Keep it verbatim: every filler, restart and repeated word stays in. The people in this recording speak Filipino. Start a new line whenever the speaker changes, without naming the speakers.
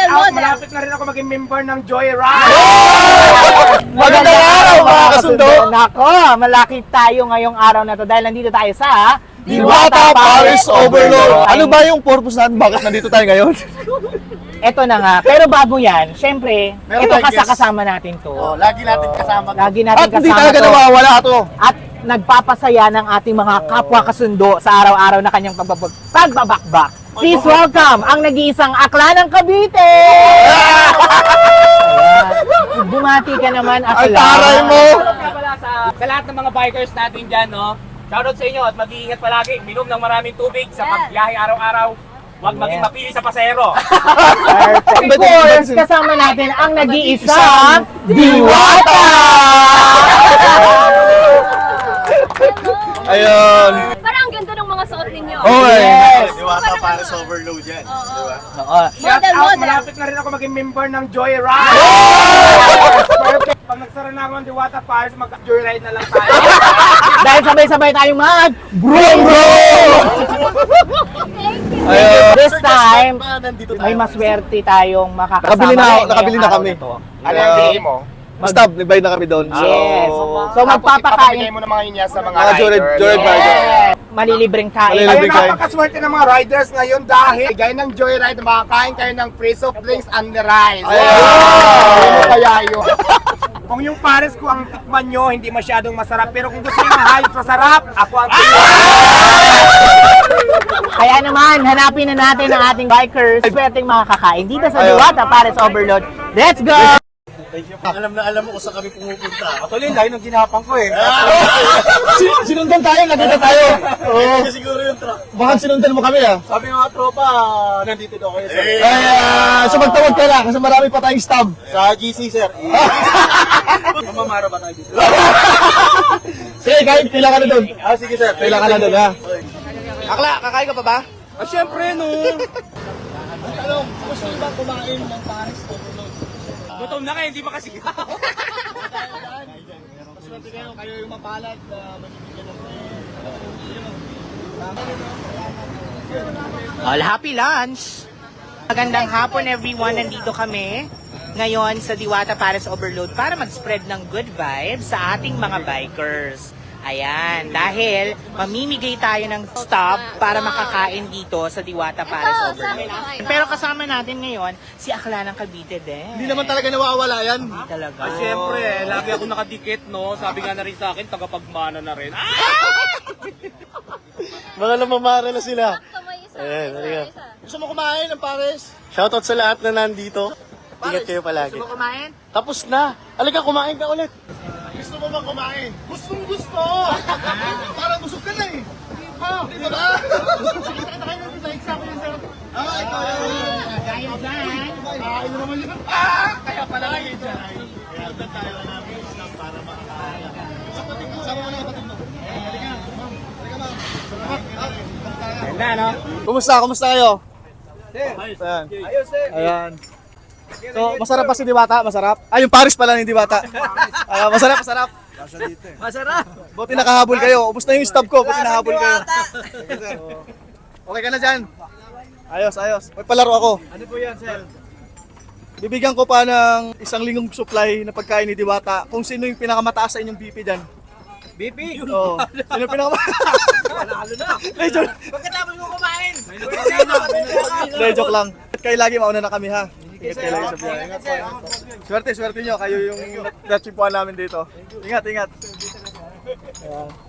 out,
model.
malapit na rin ako maging member ng Joyride.
Magandang araw mga kasundo!
Nako, malaki tayo ngayong araw na to dahil nandito tayo sa
Diwata Paris Overload! Ano ba yung purpose natin? Bakit nandito tayo ngayon?
Eto na nga, pero bago yan, syempre,
Meron
ito
tayong guest.
kasama natin to.
Oh, lagi natin kasama.
Lagi natin
At hindi
kasama
talaga
to.
nawawala to.
At nagpapasaya ng ating mga kapwa kasundo sa araw-araw na kanyang pagbabag pagbabakbak. Please welcome ang nag-iisang akla ng Cavite! Ayan. Bumati ka naman,
Ay,
akla.
taray mo!
Kaya pala sa, sa lahat ng mga bikers natin dyan, no? Shoutout sa inyo at mag-iingat palagi. Minom ng maraming tubig sa
Yes.
pagbiyahe araw-araw. Huwag maging
Yes.
mapili sa pasahero.
Perfect. Of course, kasama natin ang nag-iisang Diwata!
Ayun.
Parang ang ganda ng mga suot ninyo.
Okay.
Yes.
Diwata Paris Overload yan.
Oo.
Oo.
Shout
Model,
out,
model.
malapit na rin ako maging member ng Joyride. Perfect. Pag nagsara na ako ng Diwata Paris, mag-Joyride na lang tayo.
Dahil sabay-sabay tayong mag bro bro!
Ayun.
This time,
Nandito
may maswerte tayong makakasama.
Nakabili na,
ngayong
nakabili na
araw
kami.
to.
Ano yung bigay mo?
Stop, nagbayad na kami doon.
Yes.
So,
So magpapakain.
mo naman yun yan sa mga
Mga Joyride,
riders.
Joyride rider.
Yes. Malilibreng kain.
Malilibreng
Ayun,
kain.
napakaswerte ng mga riders ngayon dahil gaya ng Joyride, makakain kayo ng free soft drinks and the rice.
Ayun.
Ano kaya yun? Kung yung pares ko ang tikman nyo, hindi masyadong masarap. Pero kung gusto nyo ng hayop sa sarap, ako ang tikman.
Kaya naman, hanapin na natin ang ating bikers. Swerteng makakakain dito sa
Ayun.
Diwata Paris Overload. Let's go!
Alam na alam mo kung saan kami pumupunta.
Actually, dahil nung ginapang ko eh.
Sinundan tayo, nandito tayo. Oo.
Siguro yung truck.
Baka sinundan mo kami ah.
Sabi ng mga tropa, nandito daw kayo sir.
Ay, ah, so magtawag ka lang kasi marami pa tayong stab.
Sa G C sir. Mamamara ba tayo dito?
Sige, kahit kailangan ka na doon.
Ah, sige sir.
Kailangan ka na doon ha.
Akla, kakain ka pa ba? Ah, syempre no.
Ano, gusto nyo ba kumain ng Paris Overload?
Gutom na kayo, hindi pa kasi
Maswerte kayo, kayo yung mapalad na manibigyan ng
All happy lunch! Magandang hapon everyone, nandito kami ngayon sa Diwata Paris Overload para mag-spread ng good vibes sa ating mga bikers. Ayan, dahil mamimigay tayo ng stop para makakain dito sa Diwata Paris Overload. Pero kasama natin ngayon si Akla ng Cavite din.
Hindi naman talaga nawawala yan.
Hindi talaga.
Ah, syempre, lagi ako nakadikit, no? Sabi nga na rin sa akin, tagapagmana na rin. Ah!
Mga namamara na sila.
Kamay isa.
Ayan,
isa,
halika.
isa.
Gusto mo kumain ng Paris? Shoutout sa lahat na nandito. Ingat kayo palagi.
Gusto mo kumain?
Tapos na. Halika, kumain ka ulit. Gusto mo ba kumain? Gustong gusto! Parang busog ka na eh. Ah, di ba? Kita kayo natin sa exam yun, sir. Ah, ikaw yun.
Kaya dyan.
Ah, ino naman yun. Ah, kaya pala kayo dyan. Kaya doon tayo namin isang para makakain. Sa pating mo, sama mo na pating mo. Halika, ma'am. Halika, ma'am.
Ganda, no?
Kumusta? Kumusta kayo? Ayan.
Ayos sir.
Ayan. So, masarap pa si Diwata? Masarap? Ah, yung Paris pala ni Diwata. Ah, masarap, masarap.
Masarap.
Buti nakahabol kayo. Ubus na yung stab ko. Buti nakahabol kayo. Okay ka na dyan? Ayos, ayos. May palaro ako.
Ano po yan sir?
Bibigyan ko pa ng isang linggong supply na pagkain ni Diwata. Kung sino yung pinakamataas sa inyong B P dyan.
B P?
Oo. Sino yung pinakamataas?
Panalo na.
Hindi, joke.
Pagkatapos mo kumain.
Hindi, joke lang. Kayo lagi mauna na kami ha. Ingat kayo lagi sa biyahe. Swerte, swerte nyo. Kayo yung natsimpuan namin dito. Ingat, ingat. Ayan.